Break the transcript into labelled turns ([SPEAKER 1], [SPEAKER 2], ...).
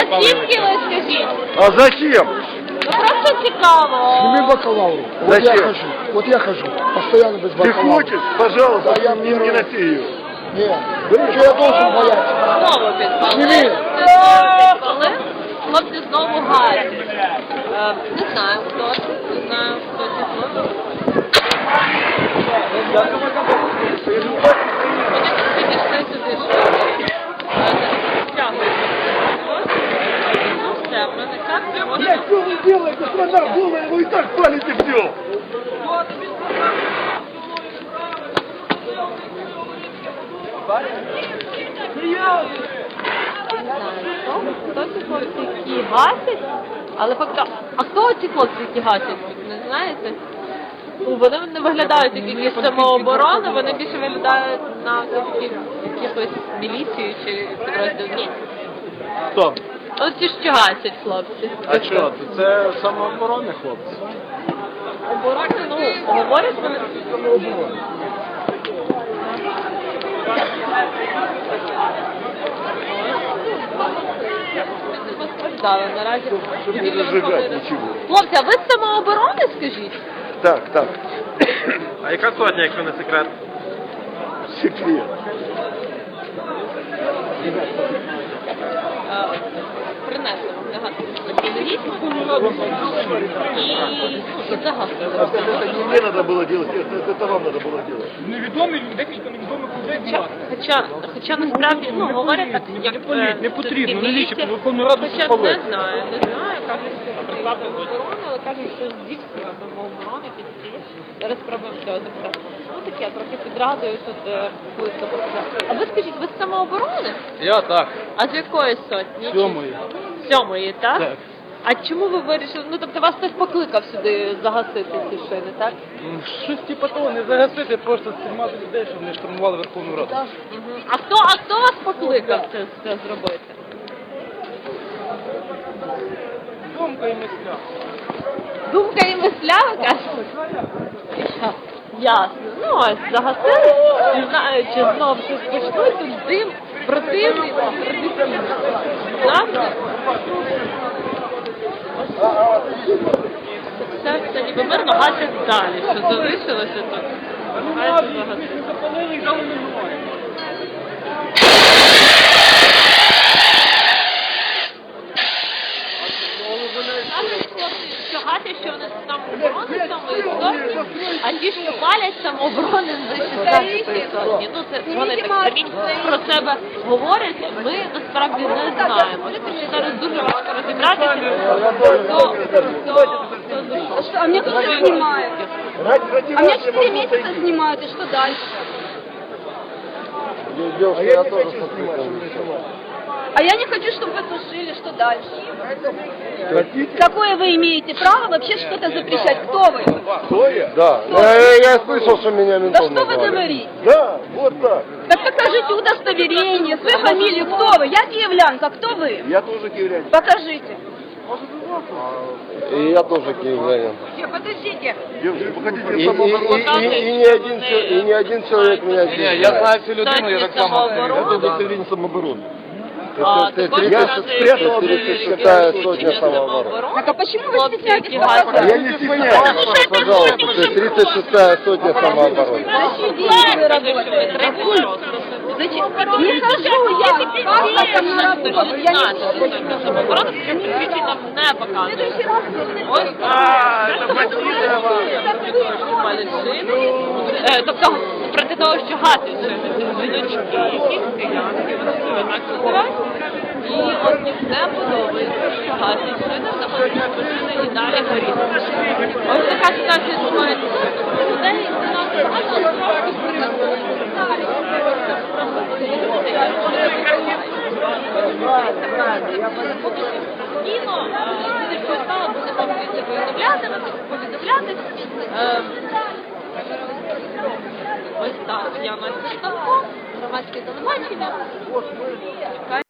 [SPEAKER 1] звідки ви, скажіть?
[SPEAKER 2] А зачем?
[SPEAKER 1] Ну просто цікаво.
[SPEAKER 3] Сними бакалавру.
[SPEAKER 2] Зачем?
[SPEAKER 3] Вот я хожу, постоянно без
[SPEAKER 2] Ты
[SPEAKER 3] бакалавра.
[SPEAKER 2] хочешь? Пожалуйста,
[SPEAKER 3] Да, я
[SPEAKER 2] не
[SPEAKER 3] первый.
[SPEAKER 2] носи ее.
[SPEAKER 3] Нет, что я должен бояться?
[SPEAKER 1] Знову підпали.
[SPEAKER 3] Сними.
[SPEAKER 1] Підпали. Хлопці знову гарні. Не знаю, хто це. Не знаю, хто ці хлопці. Вони підійшли сюди, що стягують. Ну все, в мене карти можна...
[SPEAKER 2] Что вы делаете, страна голая, вы и так палите все.
[SPEAKER 1] Хто ці хлопці, які гасять? Але факт, а хто ці хлопці, які гасять? Не знаєте? Ну, вони не виглядають як якісь самооборони, вони більше виглядають на все-таки якихось міліцію чи підрозділ. Ні?
[SPEAKER 4] Хто?
[SPEAKER 1] От ті, що гасять хлопці.
[SPEAKER 4] А що? Це самооборонні хлопці.
[SPEAKER 1] Оборони, ну, говорять вони. Постраждали наразі.
[SPEAKER 2] Не зажигать ничего.
[SPEAKER 1] Хлопці, а ви з самооборони, скажіть?
[SPEAKER 2] Так, так.
[SPEAKER 4] А яка сотня, якщо не секрет?
[SPEAKER 2] Секрет.
[SPEAKER 1] Принесли вам загадку і загадку.
[SPEAKER 2] Это не мне надо было делать, это вам надо было делать.
[SPEAKER 5] Невідомі, декілька невідомих людей.
[SPEAKER 1] Хоча насправді, ну, говорять так, як
[SPEAKER 5] Не потрібно, навіщо?
[SPEAKER 1] міліція.
[SPEAKER 5] Верховну Раду
[SPEAKER 1] Хоча
[SPEAKER 5] спалити.
[SPEAKER 1] не знаю, кажуть, що представили оборони, але кажуть, що здійснює самооборони під ці. Зараз спробуємо цього запитати. Ну таке, трохи підрадую тут близько показати. А ви скажіть, ви з самооборони?
[SPEAKER 4] Я так.
[SPEAKER 1] А з якої сотні?
[SPEAKER 4] Сьомої.
[SPEAKER 1] Сьомої, так?
[SPEAKER 4] Так.
[SPEAKER 1] А чому ви вирішили? Ну, тобто вас хтось покликав сюди загасити ці шини, так?
[SPEAKER 4] Щось типу того, не загасити, просто стримати людей, щоб не штурмували Верховну Раду.
[SPEAKER 1] Мгм. А хто вас покликав це зробити?
[SPEAKER 4] Думка і мисля.
[SPEAKER 1] Думка і мисля, ви кажете? Ясно. Ну, ось загасили, не знаю, чи знов щось почнуть, тут дим противний, традиційний. Завжди. Все ніби мирно гасять далі, що залишилося тут. Хай це загасить.
[SPEAKER 5] Запалили і дали немає.
[SPEAKER 1] Кажуть хлопці, що гасять, що вони самооборони сотні, а ті, що палять самооборони з 16-ї сотні. Ну, це вони так самі про себе говорять, ми насправді не знаємо. Тому що зараз дуже важко розібратися, хто за що.
[SPEAKER 6] А мне тоже снимают. А меня 4 месяца снимают, и что дальше?
[SPEAKER 3] Девушка, я тоже снимаю.
[SPEAKER 6] А я не хочу, чтобы вы тушили, что дальше?
[SPEAKER 2] Хотите?
[SPEAKER 6] Какое вы имеете право вообще что-то запрещать? Кто вы?
[SPEAKER 2] Кто я?
[SPEAKER 3] Да, я слышал, что меня
[SPEAKER 6] Да
[SPEAKER 3] ментом
[SPEAKER 6] что вы
[SPEAKER 3] назвали.
[SPEAKER 6] говорите?
[SPEAKER 2] Да, вот так.
[SPEAKER 6] Так покажите удостоверение, свою фамилию, кто вы? Я киевлянка, кто вы?
[SPEAKER 2] Я тоже киевлянин.
[SPEAKER 6] Покажите.
[SPEAKER 3] И я тоже киевлянин.
[SPEAKER 6] Подождите.
[SPEAKER 2] Девушка, вы хотите
[SPEAKER 3] И
[SPEAKER 2] самооборону?
[SPEAKER 3] не один человек меня
[SPEAKER 4] Ні,
[SPEAKER 3] здесь
[SPEAKER 4] я
[SPEAKER 3] знает.
[SPEAKER 4] знаю цю людину, я так само.
[SPEAKER 1] Самооборони?
[SPEAKER 2] Это удостоверение самообороны.
[SPEAKER 1] А,
[SPEAKER 3] Ты
[SPEAKER 1] також
[SPEAKER 3] 36-я сотня самообороны.
[SPEAKER 6] Так а почему вы
[SPEAKER 1] Хлопці,
[SPEAKER 6] стесняетесь
[SPEAKER 1] які
[SPEAKER 6] показать?
[SPEAKER 1] гасять.
[SPEAKER 2] Я не стесняюсь.
[SPEAKER 3] Пожалуйста, ты 36-я сотня самообороны.
[SPEAKER 6] Вы работаете. Зачем? Не хожу я. Как там на работу? Я не
[SPEAKER 1] Самооборона, прийти нам не показує. Ось, тобто, проти того, що гасять жіночки, якісь циганки, вони себе так називають. І от їм не подобається, що гасять шини, заходять шини і далі горіти. Ось така ситуація відбувається. Людей не нас багато, але трошки спокійно, люди стало, буде вам це повідомляти. Ось так, я Настя Штанко, громадське телебачення.